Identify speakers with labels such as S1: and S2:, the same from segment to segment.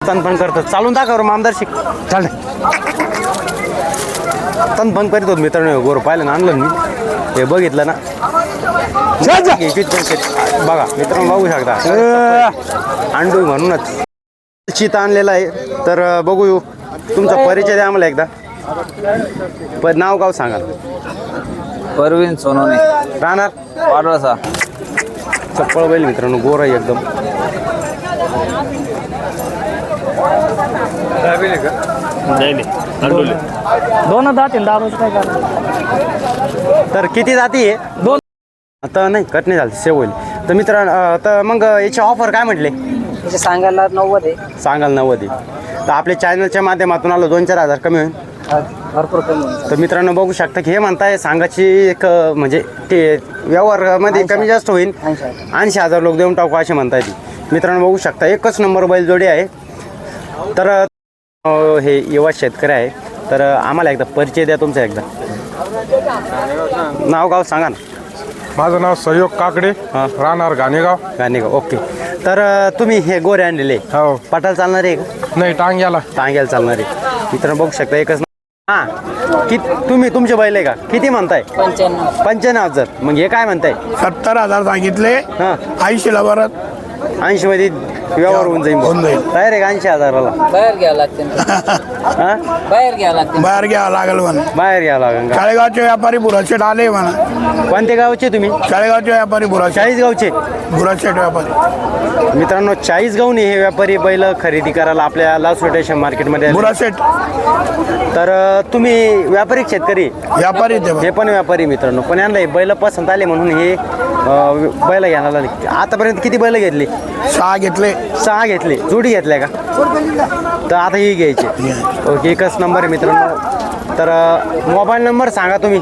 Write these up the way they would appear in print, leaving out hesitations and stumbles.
S1: तन पण करतो चालून दाखव आमदार शिक चाल तन पण करीत होत मित्रांनो गोर पाहिलं ना आणलं मी हे बघितलं ना बघा मित्रांनो बघू शकता अंडू म्हणूनच चित आणलेला आहे तर बघू तुमचा परिचय द्या आम्हाला एकदा नाव गाव सांगा
S2: परवीन सोनवणे
S1: राहणार
S2: पाडळसा
S1: चप्पळ बैल मित्रांनो गोर आहे एकदम
S3: दोन दात काय करा
S1: तर किती जाती आहे
S3: दोन
S1: आता नाही कट नाही झालं सेव होईल तर मित्रांनो तर मग याची ऑफर काय म्हटले
S3: त्याचे सांगायला 90 आहे
S1: सांगाल 90 तर आपल्या चॅनलच्या माध्यमातून आलो 2-4 हजार कमी होईल
S3: भरपूर कमी होईल.
S1: तर मित्रांनो बघू शकता की हे म्हणताय सांगाची एक म्हणजे ते व्यवहारामध्ये कमी जास्त होईल 80,000 लोक देऊन टाकू असे म्हणताय ती मित्रांनो बघू शकता एकच नंबर बैलजोडी आहे तर हे युवा शेतकरी आहे तर आम्हाला एकदा परिचय द्या तुमचा एकदा नाव गाव सांगा ना
S4: माझं नाव सहयोग काकडे राहणार गाणेगाव
S1: गाणेगाव ओके तर तुम्ही हे गोरे आणलेले
S4: हो
S1: पटाला चालणार आहे का
S4: नाही टांग्याला
S1: टांग्याला चालणार आहे मित्रांनो बघू शकता एकच हां तुम्ही तुमचे बैल आहे का किती म्हणताय 95,000 मग हे काय म्हणताय
S5: 70,000 सांगितले
S1: हां
S5: 80ला परत
S1: 80 मध्ये व्यवहार होऊन जाईल तयार आहे का 80,000ला
S3: बाहेर घ्यावं लागते
S1: हां
S3: बाहेर घ्यावं लागते
S5: बाहेर घ्यावं लागेल म्हणा
S1: बाहेर घ्यावं लागेल का
S5: चाळेगावचे व्यापारी बुराशेट आले म्हणा
S1: कोणते गावचे तुम्ही
S5: चाळेगावचे व्यापारी बुराशेट
S1: 40 गावचे
S5: बुराशेट व्यापारी
S1: मित्रांनो 40 गावने हे व्यापारी बैल खरेदी करायला आपल्या लास्ट रोटेशन मार्केटमध्ये आले.
S5: बुराशेट
S1: तर तुम्ही व्यापारी शेतकरी
S5: व्यापारी ते
S1: हे पण व्यापारी मित्रांनो पण यांना हे बैल पसंत आले म्हणून हे बैल घ्यायला लागले आतापर्यंत किती बैल घेतली
S5: 6 घेतले
S1: 6 घेतले जोडी घेतल्या का तर आता ही घ्यायची ओके एकच नंबर आहे मित्रांनो तर मोबाईल नंबर सांगा तुम्ही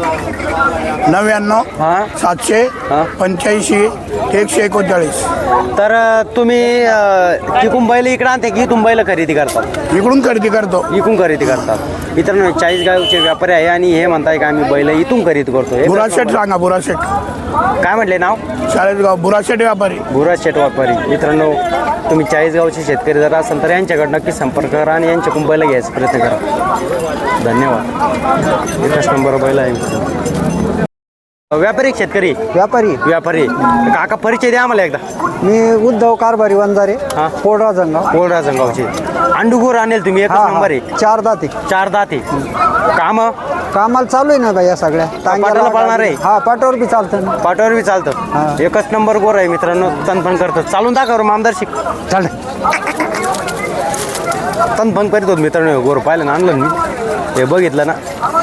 S5: 99
S1: हां
S5: 785 139
S1: तर तुम्ही तिकून बैल इकडे आणते की इथून बैल खरेदी करतात
S5: इकडून खरेदी करतो
S1: इकून खरेदी करतात मित्रांनो 40 गावचे व्यापारी आहे आणि हे म्हणताय का आम्ही बैल इथून खरेदी करतो
S5: बुराशेट सांगा बुराशेट
S1: काय म्हटले नाव
S5: चाळेगाव बुराशेट व्यापारी
S1: बुराज शेट व्यापारी मित्रांनो तुम्ही 40 गावचे शेतकरी जर असाल तर यांच्याकडे नक्की संपर्क करा आणि यांच्याकडून बैल घ्यायचा प्रयत्न करा धन्यवाद एकच नंबर बैल आहे व्यापारी शेतकरी व्यापारी काका परिचय द्या आम्हाला एकदा
S6: मी उद्धव कारभारी वंजारे
S1: हां
S6: कोडरा जंगाव
S1: कोळरा जंगावचे अंडुगोर आणेल तुम्ही एकच नंबर आहे
S6: 4 दाते
S1: 4 दाते काम
S6: कामाला चालू आहे ना बाई या सगळ्या
S1: पाटाला पाळणार आहे?
S6: हा पाटावर बी चालतं ना
S1: पाटावर बी चालतं एकच नंबर गोर आहे मित्रांनो तन पण करतो चालून दाखव आमदार शिक चाल तन पण करीत होत मित्रांनो गोर पाहिलं ना आणलं मी हे बघितलं ना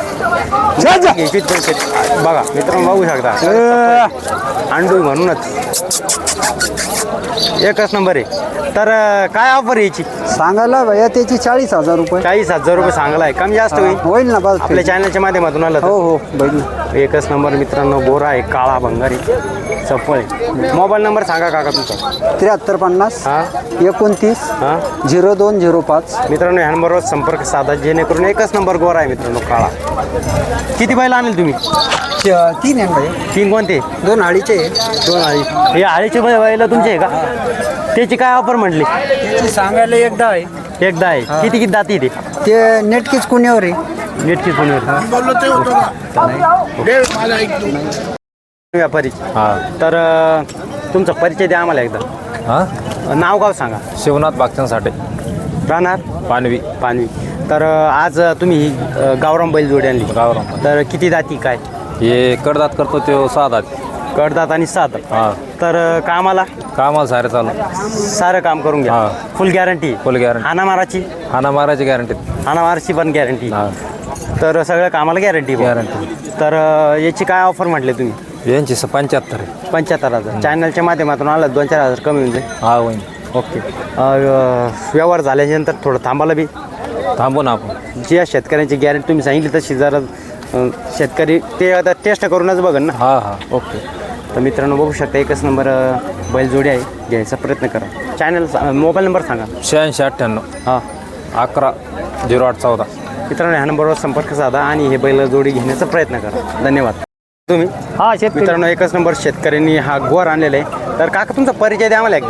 S1: बघा मित्रांनो बघू शकता अंडू म्हणूनच एकच नंबर आहे तर काय ऑफर यायची
S6: सांगायला भैया त्याची 40,000 रुपये
S1: 40,000 रुपये सांगला आहे कमी जास्त होईल
S6: होईल ना बस
S1: आपल्या चॅनलच्या माध्यमातून आलं
S6: हो हो बैल
S1: एकच नंबर मित्रांनो गोरा आहे काळा भंगारी चप्पल आहे मोबाईल नंबर सांगा काका तुमचा
S6: 7350
S1: हां
S6: 29
S1: हां
S6: 0205
S1: मित्रांनो ह्या नंबरवर संपर्क साधा जेणेकरून एकच नंबर गोरा आहे मित्रांनो काळा किती बैल आणेल तुम्ही
S6: 3 आहे भाई
S1: 3 कोणते
S6: 2 आळीचे
S1: 2 आळी हे आळीचे बैल तुमचे आहे का त्याची काय ऑफर म्हटली
S6: त्याची सांगायला एकदा आहे
S1: एकदा आहे किती किती दाती
S6: ते नेटकीच कुण्यावर आहे
S1: नेटकी फोनवर
S5: बोललो ते होतं का माझा ऐकतो
S1: व्यापारी तर तुमचा परिचय द्या आम्हाला एकदा
S2: हां
S1: नाव गाव सांगा
S2: शिवनाथ बागचंसाठी
S1: राहणार
S2: पानवी
S1: पानवी तर आज तुम्ही ही गावराम बैल जोडी आणली
S2: गावराम
S1: तर किती दाती काय
S2: हे कडदात करतो तो 6 दात
S1: कडदात आणि 7
S2: हां
S1: तर कामाला
S2: कामाला सारे चालू
S1: सारं काम करून घ्या
S2: हां.
S1: फुल गॅरंटी
S2: फुल गॅरंटी
S1: हानामाराची
S2: हाना मारायची गॅरंटी
S1: हानामाराची पण गॅरंटी
S2: हां
S1: तर सगळ्या कामाला गॅरंटी
S2: गॅरंटी
S1: तर याची काय ऑफर म्हटले तुम्ही
S2: यांची 75 आहे
S1: 75,000 चॅनलच्या माध्यमातून आलं 2-4 हजार कमी होऊन जाईल
S2: हा होईन
S1: ओके व्यवहार झाल्याच्यानंतर थोडं थांबायला बी
S2: थांबू ना आपण
S1: जी या शेतकऱ्यांची गॅरंटी तुम्ही सांगितली तशी जरा शेतकरी ते आता टेस्ट करूनच बघन ना
S2: हां हां
S1: ओके तर मित्रांनो बघू शकता एकच नंबर बैलजोडी आहे घ्यायचा प्रयत्न करा चॅनल मोबाईल नंबर सांगा
S2: 8698
S1: हां
S2: 11 0814
S1: मित्रांनो ह्या नंबरवर संपर्क साधा आणि हे बैलजोडी घेण्याचा प्रयत्न करा धन्यवाद तुम्ही
S3: हा शेतकरी
S1: मित्रांनो एकच नंबर शेतकऱ्यांनी हा गोर आणलेला आहे तर काका तुमचा परिचय द्या आम्हाला एकदा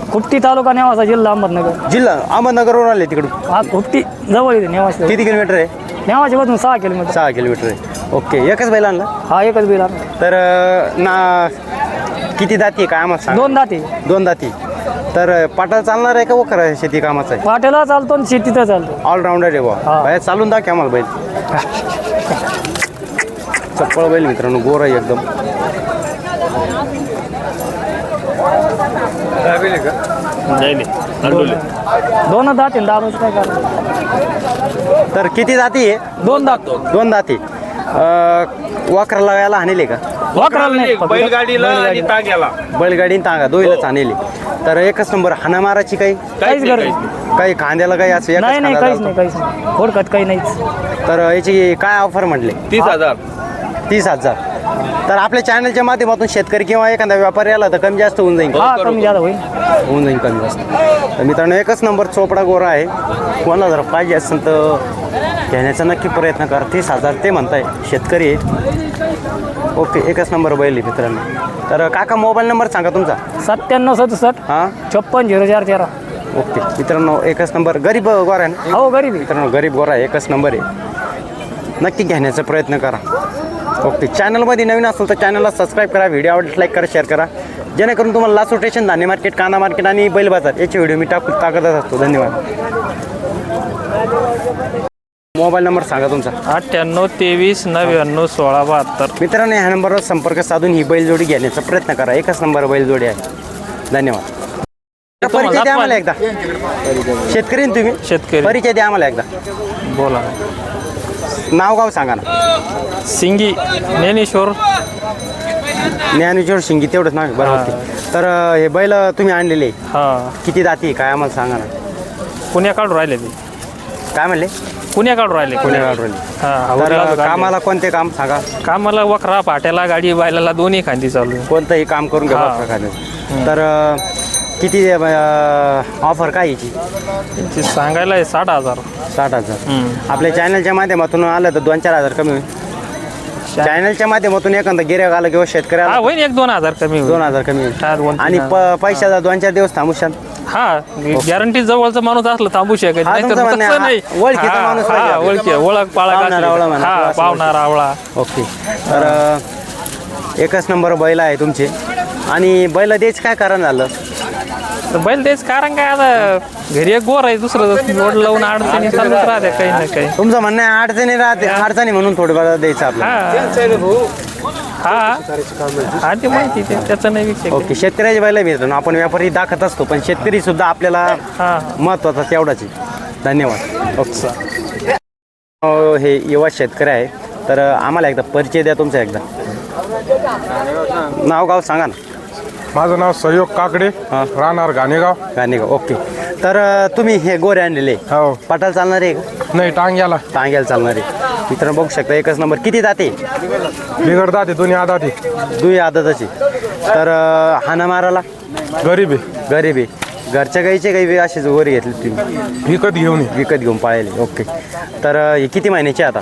S3: खुपटी तालुका नेवासा जिल्हा अहमदनगर.
S1: जिल्हा अहमदनगरवरून आले तिकडून.
S3: हा खुपटी जवळ येते नेवासा.
S1: किती किलोमीटर आहे?
S3: नेवाच्या पासून 6 किलोमीटर.
S1: 6 किलोमीटर आहे. ओके, एकच बैल आणला.
S3: हा एकच बैल आहे.
S1: तर ना किती दाती आहे काय आम्हाला सांग.
S3: 2 दाते.
S1: 2 दाती. तर पाटाला चालणार आहे का वखर आहे शेती कामाचा आहे?
S3: पाट्याला चालतो आणि शेतीचं चालतो.
S1: ऑलराऊंडर आहे बा.
S3: हा.
S1: बाहेर चालून दाखव आम्हाला बैल. चप्पळ बैल मित्रांनो, गोर आहे एकदम.
S3: दोन दाते दाबाचं काय कारण.
S1: तर किती जाती आहे?
S3: 2 दात.
S1: 2 दाती. वाकराला याला आणले का?
S3: वाकराला नाही
S5: बैलगाडीला आणि ताग्याला.
S1: बैलगाडी आणि तांगा दोईलाच आणले. तर एकच नंबर. हाना माराची काही
S3: काहीच गरज नाही.
S1: काही खांद्याला काही असं एकच
S3: नाही
S1: खांदा
S3: काहीच
S1: चालतो.
S3: नाही काहीच नाही. फोडकत काही नाहीच.
S1: तर याची काय ऑफर म्हटले?
S5: 30,000.
S1: 30,000. तर आपल्या चॅनलच्या माध्यमातून शेतकरी किंवा एखादा व्यापारी आला तर कमी जास्त होऊन जाईल.
S3: हा कमी जादा होईल.
S1: होऊन जाईल कमी जास्त. तर मित्रांनो, एकच नंबर चोपडा गोरा आहे. कोणाला जर पाहिजे असेल तर घेण्याचा नक्की प्रयत्न करा. 30,000 ते म्हणताय, शेतकरी आहे. ओके, एकच नंबर बैल आहे मित्रांनो. तर काका मोबाईल नंबर सांगा तुमचा.
S3: 9767
S1: हां
S3: 560413.
S1: ओके मित्रांनो, एकच नंबर. गरीब गोरा आहे ना
S3: हो गरीब आहे.
S1: मित्रांनो? गरीब गोरा आहे, एकच नंबर आहे. नक्की घेण्याचा प्रयत्न करा. ओके, चॅनलमध्ये नवीन असेल तर चॅनलला सबस्क्राईब करा. व्हिडिओ आवडल्यास लाईक करा, शेअर करा, जेणेकरून तुम्हाला लासू स्टेशन, धान्य मार्केट, कांदा मार्केट आणि बैल बाजार याचे व्हिडिओ मी टाकतच असतो. धन्यवाद. मोबाईल नंबर सांगा तुमचा.
S2: 98 23 99 16 72.
S1: मित्रांनो, ह्या नंबरवर संपर्क साधून ही बैलजोडी घेण्याचा प्रयत्न करा. एकच नंबर बैलजोडी आहे. धन्यवाद. परिचय द्या आम्हाला एकदा. शेतकरी ना तुम्ही?
S2: शेतकरी.
S1: परिचय द्या आम्हाला एकदा.
S2: बोला.
S1: नाव गाव सांगा ना.
S2: सिंगी ज्ञानेश्वर.
S1: ज्ञानेश्वर शिंगी, तेवढंच नाव आहे. बरोबर. तर हे बैल तुम्ही आणलेले
S2: हा
S1: किती दाती काय आम्हाला सांगा ना.
S2: पुण्याकडून राहिले ते.
S1: काय म्हणले?
S2: पुण्याकडून राहिले.
S1: पुण्याकडून.
S2: हा
S1: तर
S2: आवडला
S1: कामाला कोणते काम सांगा.
S2: कामाला वखरा पाट्याला गाडी बायला दोन्ही खांदी चालू आहे.
S1: कोणतंही काम करून घ्या
S2: हा.
S1: बघा. तर किती ऑफर काय याची?
S2: त्यांची सांगायला आहे 60,000.
S1: 60,000. आपल्या चॅनलच्या माध्यमातून आलं तर 2-4 हजार कमी होईल. चॅनलच्या माध्यमातून एखादा गिऱ्हाईक आला किंवा शेतकरी
S2: हा
S1: आला
S2: होईल 1-2 हजार कमी होईल.
S1: 2,000 कमी होईल.
S2: हा, 2-3
S1: आणि पैशाचा 2-4 दिवस थांबू शान.
S2: हा गॅरंटी जवळचा माणूस असला थांबू शकत
S1: हा,
S2: नाही तर
S1: तुमचं म्हणणं
S2: तसं
S1: आहे.
S2: नाही.
S1: ओळखीचा
S2: हा,
S1: माणूस
S2: हा,
S1: पाहिजे.
S2: ओळखी ओळख पाळख
S1: पाहुणा रावळा म्हणा किंवा
S2: हा
S1: असं
S2: पाहुणा रावळा.
S1: ओके. तर एकच नंबर बैल आहे तुमचे. आणि बैल द्यायचं काय कारण झालं?
S2: तर बैल तेच कारण काय, आता घरी एक गोर आहे, दुसरं जोड लावून अडचणी चालूच राहते काही ना काही.
S1: तुमचं म्हणणं आहे अडचणी राहते, अडचणी म्हणून थोडं द्यायचं आपल्याला.
S2: हा हा ते माहिती त्याचं नाही विषय.
S1: ओके, शेतकऱ्याची बैल मिळतो. आपण व्यापारी दाखवत असतो, पण शेतकरी सुद्धा आपल्याला
S2: हा
S1: महत्वाचा तेवढाच आहे. धन्यवाद. ओके. हे युवा शेतकरी आहे. तर आम्हाला एकदा परिचय द्या तुमचा. एकदा नाव गाव सांगा ना.
S4: माझं नाव सहयोग काकडे,
S1: हा.
S4: राहणार घाणेगाव.
S1: गाणेगाव. ओके. तर तुम्ही हे गोरे आणलेले
S4: हो.
S1: पटाला चालणार आहे का?
S4: नाही, टांग्याला
S1: टांग्याला चालणार आहे. मित्रांनो बघू शकता, एकच नंबर. किती जाते?
S4: बिघडतात ते दोन्ही आदाती.
S1: दुई आदतची. तर हाना माराला
S4: गरीब आहे.
S1: गरीब आहे. घरच्या गाईचे काही असेच गोरे घेतले तुम्ही?
S4: विकत घेऊन ये.
S1: विकत घेऊन पाळले. ओके. तर हे किती महिन्याचे आता?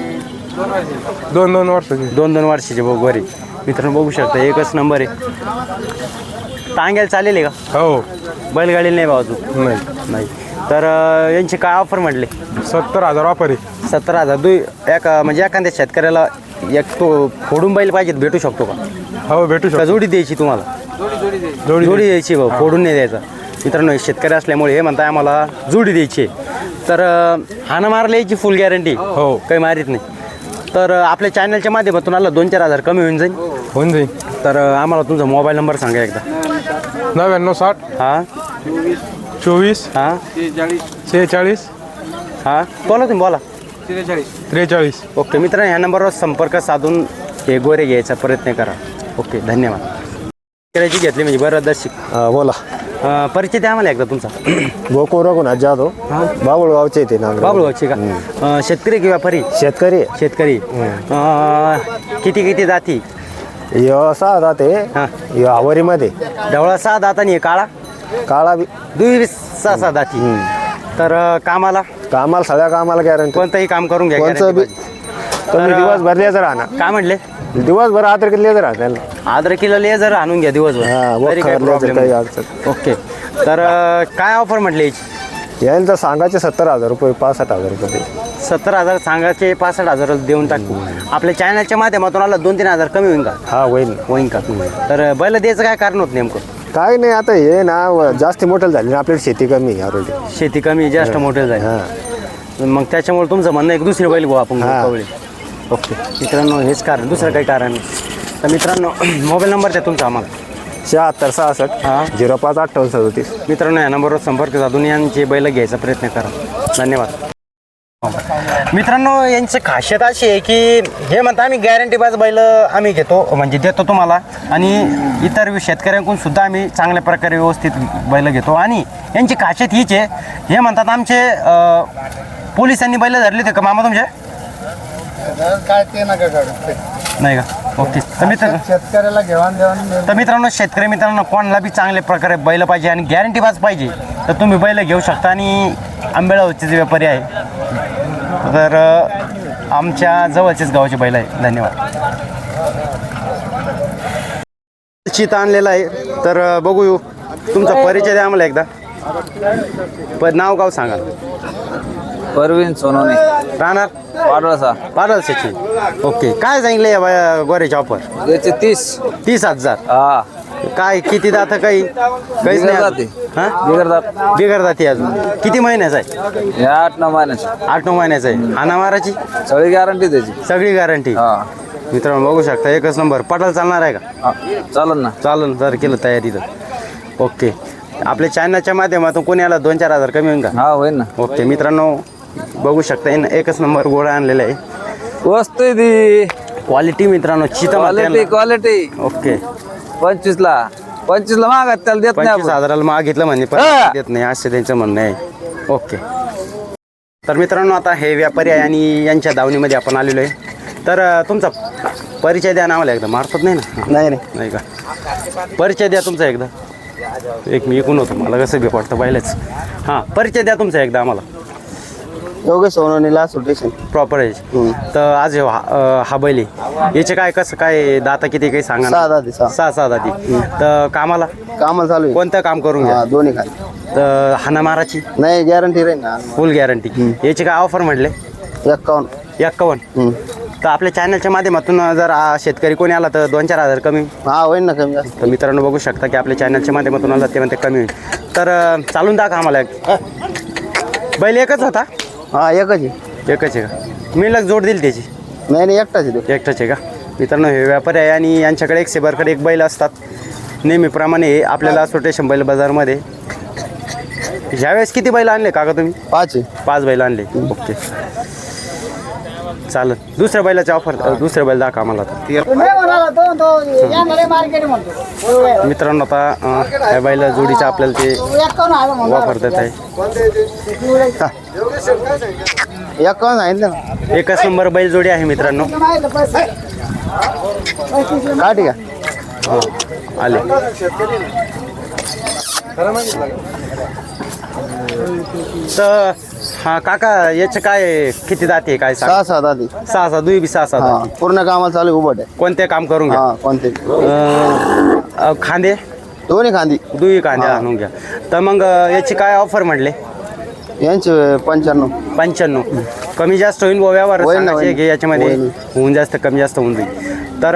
S4: 2-2 वर्षाची.
S1: 2-2 वर्षाचे गोरे. मित्रांनो बघू शकता, एकच नंबर आहे. टांग्याला चालेल आहे का?
S4: हो.
S1: बैलगाडीला नाही बाजू?
S4: नाही.
S1: नाही. तर यांचे काय ऑफर म्हटले?
S4: 70,000 वापर आहे.
S1: 70,000. म्हणजे एखाद्या शेतकऱ्याला एक तो फोडून बैल पाहिजे, भेटू शकतो का?
S4: हो, भेटू
S1: का
S4: शकतो.
S1: जोडी द्यायची तुम्हाला?
S4: जोडी
S1: जोडी द्यायची भाऊ, फोडून नाही द्यायचा. मित्रांनो शेतकरी असल्यामुळे हे म्हणताय आम्हाला जोडी द्यायची. तर हाना मारला याची फुल गॅरंटी.
S4: हो.
S1: काही मारित नाही. तर आपल्या चॅनलच्या माध्यमातून आला 2-4 हजार कमी होऊन जाईल.
S4: होऊन जाईल.
S1: तर आम्हाला तुमचा मोबाईल नंबर सांगा एकदा.
S4: 99 60
S1: हां
S4: 24
S1: हां
S4: 46
S1: हां बोला तुम्ही, बोला.
S4: 43.
S1: ओके मित्रांनो, ह्या नंबरवर संपर्क साधून हे गोरे घ्यायचा प्रयत्न करा. ओके, धन्यवाद. करायची घेतली म्हणजे बरं दर्शिक.
S7: बोला.
S1: परिचय द्या आम्हाला एकदा तुमचा.
S7: गोकुळ रघुनाथ जाधव, बाबुळगावचे येते नागपूर.
S1: बाबुळगावची का? शेतकरी की व्यापारी?
S7: शेतकरी.
S1: शेतकरी. किती जाती?
S7: यो 6 दाते.
S1: हां.
S7: यो आवरीमध्ये
S1: ढवळा 6 दात आणि काळा
S7: काळा बी.
S1: दुई 6 दाती. तर कामाला
S7: कामाला सगळ्या कामाला गॅरंटी.
S1: कोणतंही काम करून घ्या.
S7: कोणचं बी
S1: guarantee
S7: तुम्ही
S1: तर,
S7: दिवसभर लेजर राहणार.
S1: काय म्हटले?
S7: दिवसभर आदर लेजर राहणार.
S1: अद्रकीला लेझर आणून घ्या दिवसभर.
S7: हा,
S1: तरी काही
S7: वखर लेजर
S1: problem
S7: काही
S1: नाही.
S7: अडचण.
S1: ओके. तर काय ऑफर म्हटली याची?
S7: यांचं सांगायचे 70,000 रुपये 65,000 रुपये
S1: 70,000 सांगायचे 65,000 देऊन टाकू. आपल्या चॅनलच्या माध्यमातून आला 2-3 हजार कमी होईल का?
S7: हा होईल.
S1: होईन का? तर बैल द्यायचं काय कारण होत नेमकं?
S7: काय नाही आता हे ना जास्त मोठं झाले ना आपल्याला शेती कमी ऑलरेडी.
S1: शेती कमी जास्त मोठे जाईल.
S7: हां
S1: मग त्याच्यामुळे तुमचं म्हणणं एक दुसरी बैल घेऊ आपण
S7: हा.
S1: कवळे. ओके मित्रांनो, हेच कारण, दुसरं काही कारण नाही. तर मित्रांनो, मोबाईल नंबर द्या तुमचा आम्हाला.
S7: 76 66
S1: हां
S7: 05 58 37.
S1: मित्रांनो, या नंबरवर संपर्क साधून यांचे बैल घ्यायचा प्रयत्न करा. धन्यवाद. मित्रांनो, यांची खासियत अशी आहे की हे म्हणता आम्ही गॅरंटीबाज बैल आम्ही घेतो, म्हणजे देतो तुम्हाला, आणि इतर शेतकऱ्यांकडून सुद्धा आम्ही चांगल्या प्रकारे व्यवस्थित बैल घेतो. आणि यांची खासियत हीच आहे, हे म्हणतात आमचे पोलिसांनी बैल धरले होते का मामा तुमचे?
S5: काय ते नका काढू.
S1: नाही का? ओके.
S5: शेतकऱ्याला घेवाण देवाण
S1: तर मित्रांनो, शेतकरी मित्रांनो, कोणाला बी चांगल्या प्रकारे बैल पाहिजे आणि गॅरंटीबाज पाहिजे तर तुम्ही बैल घेऊ शकता. आणि आंबेळावरचे जे व्यापारी आहे, तर आमच्या जवळचेच गावाचे बैल आहे. धन्यवाद. चिता आणलेला आहे, तर बघू. तुमचा परिचय द्या आम्हाला एकदा. नाव गाव सांगा.
S8: परवीन सोनवणे,
S1: राहणार
S8: पाडळसा.
S1: पाडलसेची. ओके. काय सांगितलं या गोऱ्याच्या ऑफर?
S8: याचे 30.
S1: 30,000.
S8: हा
S1: काय किती दात? काहीच
S8: बिगर
S1: नाही
S8: जाती.
S1: अजून? हां
S8: बिगर जात.
S1: बिगर दाती अजून. किती महिन्याचा आहे?
S8: हे 8-9 महिन्याचे.
S1: 8-9 महिन्याचा आहे. हाना माराची
S8: सगळी गॅरंटी त्याची.
S1: सगळी गॅरंटी.
S8: हा
S1: मित्रांनो, बघू शकता, एकच नंबर. पटाल चालणार आहे का?
S8: हा, चालेल ना.
S1: चालेल जर केलं तयारी तर. ओके. आपल्या चॅनलच्या माध्यमातून कोणी आला 2-4 हजार कमी होईल का?
S8: हा होईल ना.
S1: ओके. मित्रांनो, बघू शकता, एकच नंबर गोळा आणलेला आहे.
S8: वस्तू आहे ती.
S1: क्वालिटी मित्रांनो, चिता
S8: क्वालिटी क्वालिटी.
S1: ओके.
S8: 25ला मागत त्याला देत नाही
S1: 25,000 मागितलं म्हणजे पण
S8: हा.
S1: देत नाही, असं त्यांचं म्हणणं आहे. ओके. तर मित्रांनो, आता हे व्यापारी आहे आणि यांच्या दावणीमध्ये आपण आलेलो आहे. तर तुमचा परिचय द्या ना आम्हाला एकदा. मारतात नाही ना?
S6: नाही रे.
S1: नाही का? परिचय द्या तुमचा एकदा. एक मी ऐकून होतो, मला कसं बी वाटतं पाहिलंच. हां, परिचय द्या तुमचा एकदा आम्हाला.
S6: Yogesh Sonawane last station.
S1: Proper आहे. तर आज हा बैल आहे, याचे काय कसं काय दाता किती काही सांगा ना?
S6: 6 दाती, 6.
S1: 6 दाती. तर कामाला
S6: कामाला चालू आहे.
S1: कोणतं काम करून घ्या?
S6: दोन्ही खाली.
S1: तर हाना माराची
S6: नाही गॅरंटी राहील ना.
S1: Full guarantee. याची काय ऑफर म्हटले?
S6: 51.
S1: 51. तर आपल्या चॅनलच्या माध्यमातून जर शेतकरी कोणी आला तर 2-4 हजार कमी.
S6: हा होईल ना कमी जास्त.
S1: तर मित्रांनो, बघू शकता की आपल्या चॅनलच्या माध्यमातून आला ते म्हणते कमी होईल. तर चालून दाखवा आम्हाला. बैल एकच होता?
S6: हा एकच आहे.
S1: एकच आहे का? मी लग जोड दिली त्याची?
S6: नाही एकटाच आहे तो.
S1: एकटाच आहे का? मित्रांनो, हे व्यापारी आहे आणि यांच्याकडे एक सेबरकडे एक बैल असतात नेहमीप्रमाणे. हे आपल्याला सोटेशन बैल बाजारमध्ये. ह्यावेळेस किती बैल आणले काका तुम्ही?
S6: 5 आहे.
S1: 5 बैल आणले. ओके, चालेल. दुसऱ्या बैलाची ऑफर, दुसऱ्या बैल दाखवा आम्हाला आता. मित्रांनो, आता ह्या बैला जोडीचं आपल्याला ते वापर देत आहे.
S6: 51 सांगितलं ना.
S1: एकच नंबर बैल जोडी आहे मित्रांनो.
S6: का ठीक आहे.
S1: आले. तर हा काका, याचं काय किती दाती आहे काय सांग?
S6: 6 दाती.
S1: 6 दुई बी 6
S6: हा
S1: दाती.
S6: पूर्ण कामाला चालू आहे. उभट आहे.
S1: कोणते काम करून घ्या?
S6: हा कोणते?
S1: खांदे
S6: दोन्ही खांदी.
S1: दुई कांदे आणून घ्या. तर मग याची काय ऑफर म्हटले?
S6: यांचे 95.
S1: 95. कमी जास्त होईल व्यवहार
S6: होईल ना,
S1: सांगायचे
S6: होईल.
S1: की याच्यामध्ये
S6: होईल.
S1: होऊन जास्त कमी जास्त होऊन जाईल. तर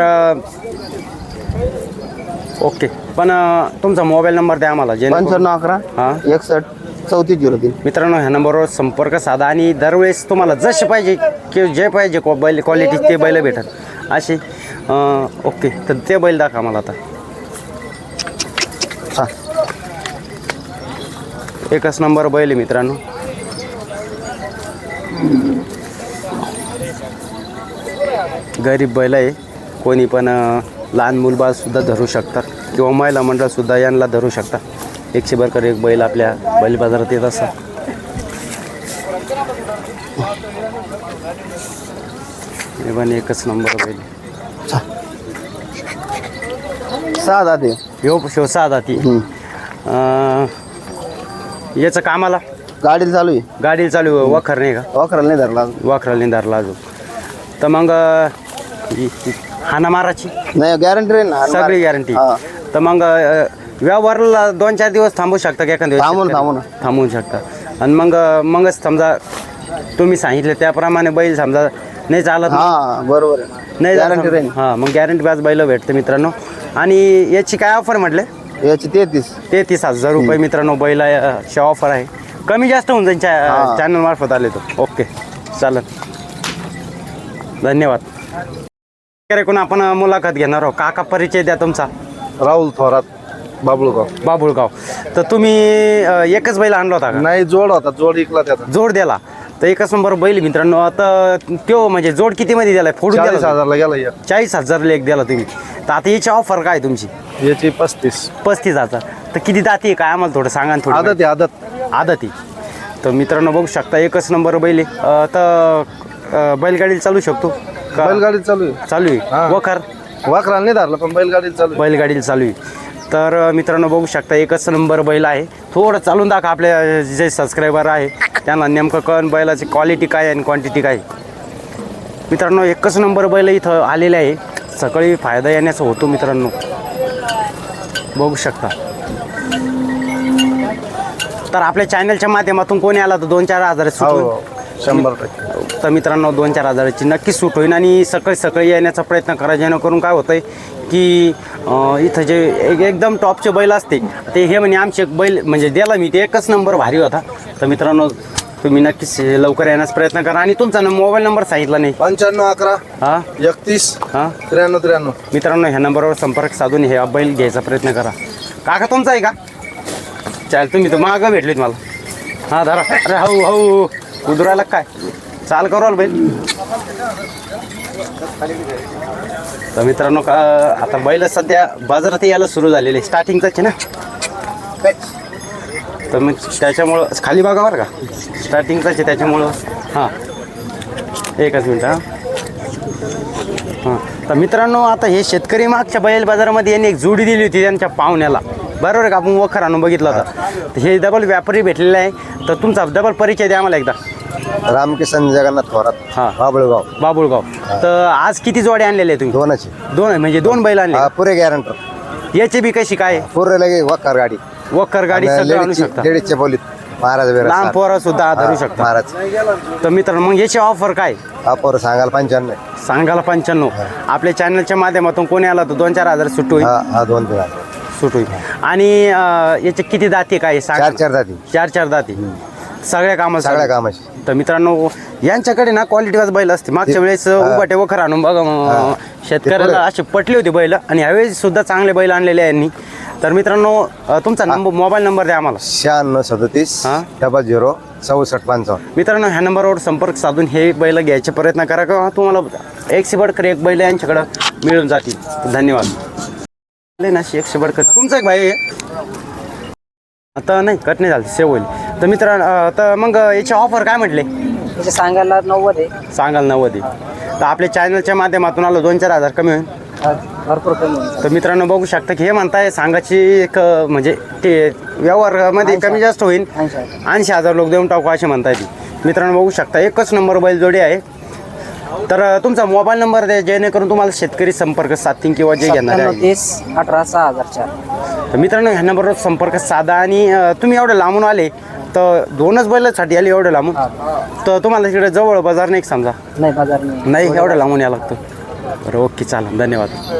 S1: ओके. पण तुमचा मोबाईल नंबर द्या आम्हाला.
S6: 95 11
S1: हां
S6: 61 3403.
S1: मित्रांनो, ह्या नंबरवर संपर्क साधा आणि दरवेळेस तुम्हाला जसे पाहिजे की जे पाहिजे बैल क्वालिटी ते बैल भेटत असे. ओके. तर ते बैल दाखवा मला आता.
S6: हा
S1: एकच नंबर बैल आहे मित्रांनो. गरीब बैल आहे. कोणी पण लहान मुलबाळसुद्धा धरू शकतात किंवा महिला मंडळसुद्धा यांना धरू शकतात. 100 बरकर एक बैल आपल्या बैल बाजारात येत असतात. हे पण एकच नंबर बैल.
S6: 6 दाती.
S1: ह्यो शिव 6 दाती. याचं कामाला
S6: गाडीला चालू आहे.
S1: गाडी चालू आहे. वखर नाही का?
S6: वाखराला नाही धरला.
S1: वाखराला निंदारला अजून. तर मग हाना माराची
S6: नाही गॅरंटी राहील ना.
S1: सगळी गॅरंटी.
S6: हा.
S1: तर मग व्यवहाराला 2-4 दिवस थांबू शकता का एखाद्या दिवस
S6: थांबून.
S1: थांबवू शकता आणि मगच समजा तुम्ही सांगितलं त्याप्रमाणे बैल समजा नाही चालत
S6: हा बरोबर आहे.
S1: नाही
S6: Guarantee राहील.
S1: हां मग गॅरंटी बॅच बैल भेटते मित्रांनो. आणि याची काय ऑफर म्हटले?
S6: याची 33.
S1: 33,000 रुपये मित्रांनो बैलाची ऑफर आहे. कमी जास्त होऊन जाईल चॅनल मार्फत आले तो. ओके चालेल, धन्यवाद. कोण आपण मुलाखत घेणार आहोत. काका परिचय द्या तुमचा.
S7: राहुल थोरात, बाबुळगाव.
S1: बाबुळगाव. तर तुम्ही एकच बैल आणला होता का?
S7: नाही, जोड होता, जोड इकला त्याचा.
S1: जोड दिला तर एकच नंबर बैल मित्रांनो. आता तो म्हणजे जोड किती मध्ये दिलाय? फोडून
S7: 40,000 ला गेला या.
S1: 40,000 एक दिला तुम्ही. तर आता याची ऑफर काय तुमची?
S7: याची 35.
S1: 35,000. तर किती दाती आहे काय आम्हाला थोडं सांगा ना थोडं.
S7: आदत आहे, आदत.
S1: आदती. तर मित्रांनो बघू शकता एकच नंबर बैल आहे. तर बैलगाडी चालू शकतो का?
S7: बैलगाडी चालू आहे.
S1: चालू आहे.
S7: हा.
S1: वखर
S7: वाकराला नाही धरला पण बैलगाडी चालू आहे.
S1: बैलगाडीला चालू आहे. तर मित्रांनो बघू शकता एकच नंबर बैल आहे. थोडं चालून दाखवा आपले जे सबस्क्रायबर आहे त्यांना नेमकं कळण बैलाची क्वालिटी काय आहे आणि क्वांटिटी काय आहे. मित्रांनो एकच नंबर बैल इथं आलेले आहे. सकाळी फायदा येण्याचा होतो मित्रांनो, बघू शकता. तर आपल्या चॅनलच्या माध्यमातून कोणी आला तर 2-4 हजार सूट होईल.
S7: हो, 100%.
S1: तर मित्रांनो 2-4 हजाराची नक्कीच सूट होईल. आणि सकाळी येण्याचा प्रयत्न करा जेणेकरून काय होतं आहे की इथं जे एकदम टॉपचे बैल असते ते हे म्हणे आमचे बैल म्हणजे द्याला मी ते एकच नंबर भारी होता. तर मित्रांनो तुम्ही नक्कीच लवकर येण्याचा प्रयत्न करा. आणि तुमचा मोबाईल नंबर सांगितला नाही.
S7: 9511
S1: हां
S7: 31
S1: हां
S7: 93.
S1: मित्रांनो ह्या नंबरवर संपर्क साधून हे बैल घ्यायचा प्रयत्न करा. काका तुमचा आहे का? चाल तुम्ही तर मागं भेटलीत मला. हां धरा. अरे हो उदरायला काय चाल करू बैल. तर मित्रांनो आता बैल सध्या बाजारात यायला सुरू झालेले स्टार्टिंगचाच आहे ना. तर मग त्याच्यामुळं खाली बघा बरं का स्टार्टिंगचाच आहे त्याच्यामुळं. हां एकच मिनटं. हां तर मित्रांनो आता हे शेतकरी मागच्या बैल बाजारामध्ये यांनी एक जोडी दिली होती त्यांच्या पाहुण्याला, बरोबर आहे का? आपण वखर आणून बघितलं होतं. तर हे डबल व्यापारी भेटलेला आहे. तर तुमचा डबल परिचय द्या आम्हाला एकदा.
S6: रामकिसन जगन्नाथ थोरात,
S1: हां
S6: बाबुळगाव.
S1: बाबुळगाव. तर आज किती जोडे आणलेले आहे तुम्ही?
S6: दोनाची.
S1: दोन म्हणजे 2 बैल आणले.
S6: पुरे गॅरंटर.
S1: याची बी कशी काय?
S6: पुरे लगे वकार गाडी.
S1: वखर गाडी सगळं आणू शकता.
S6: लेडीजचे बोलीत महाराज
S1: लहान पोरं सुद्धा धरू शकता.
S6: महाराज.
S1: तर मित्रांनो मग याची ऑफर काय
S6: अपोर सांगाल 95.
S1: सांगायला 95. आपल्या चॅनलच्या माध्यमातून कोणी आला तर 2-4 हजार सूट होईल.
S6: हा 2-3.
S1: सूट होईल. आणि याचे किती दाती काय सांगा?
S6: 4 दाती.
S1: 4 दाती सगळ्या
S6: सगळ्या
S1: कामात.
S6: कामाची.
S1: तर मित्रांनो यांच्याकडे ना क्वालिटी वाज बैल असते. मागच्या वेळेस उभाटे वखर आणून बघा शेतकऱ्याला असे पटले होते बैल आणि ह्यावेळेस सुद्धा चांगले बैल आणलेले आहे यांनी. तर मित्रांनो तुमचा मोबाईल नंबर द्या आम्हाला.
S6: 9637 00 64 55.
S1: मित्रांनो ह्या नंबरवर संपर्क साधून हे बैल घ्यायचे प्रयत्न करा का तुम्हाला 100 बडकर एक बैल यांच्याकडं मिळून जातील. धन्यवाद. ना 100 बडकर तुमचं एक भाई आहे आता नाही कट नाही झालं सेव होईल. तर मित्रांनो तर मग याची ऑफर काय म्हटले?
S3: त्याचे सांगायला 90 आहे.
S1: सांगाल 90. तर आपल्या चॅनलच्या माध्यमातून आलो 2-4 हजार कमी होईल.
S3: भरपूर कमी आहे.
S1: तर मित्रांनो बघू शकता की हे म्हणताय सांगाची एक म्हणजे ते व्यवहारामध्ये कमी जास्त होईल. 80,000 लोक देऊन टाकू असे म्हणताय ती. मित्रांनो बघू शकता एकच नंबर बैल जोडी आहे. तर तुमचा मोबाईल नंबर द्या जेणेकरून तुम्हाला शेतकरी संपर्क साधतील किंवा जे घेणार आहे.
S3: 30 18 6004.
S1: तर मित्रांनो ह्या नंबरवर संपर्क साधा. आणि तुम्ही एवढं लांबून आले तर 2च बैलासाठी आले एवढं लांबून. तर तुम्हाला तिकडे जवळ बाजार नाही समजा?
S3: नाही बाजार नाही.
S1: नाही एवढं लांबून यावं लागतं. बरं ओके चालेल धन्यवाद.